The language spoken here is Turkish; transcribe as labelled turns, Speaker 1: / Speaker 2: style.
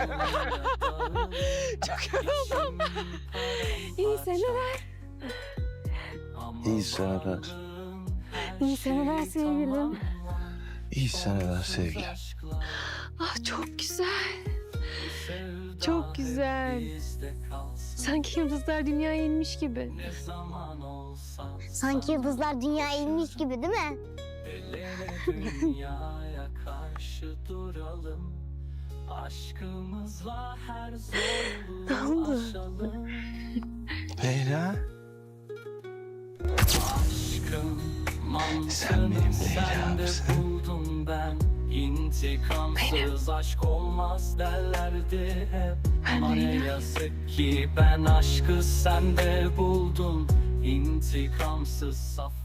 Speaker 1: Çok yoruldum. İyi seneler.
Speaker 2: İyi seneler.
Speaker 1: İyi seneler sevgilim.
Speaker 2: İyi seneler sevgilim.
Speaker 1: Ah çok güzel. Çok güzel. Sanki yıldızlar dünyaya inmiş gibi.
Speaker 3: Sanki yıldızlar dünyaya inmiş gibi değil mi?
Speaker 4: Dünyaya karşı duralım. Aşkımızla her zorluğu aşalım.
Speaker 2: Leyla.
Speaker 4: Aşkım
Speaker 2: Sen benim
Speaker 4: mantığını sende
Speaker 2: Leyla'msın.
Speaker 4: buldum ben. İntikamsız aşk olmaz derlerdi hep. Ama ne yazık ki ben aşkı sende buldum. İntikamsız saf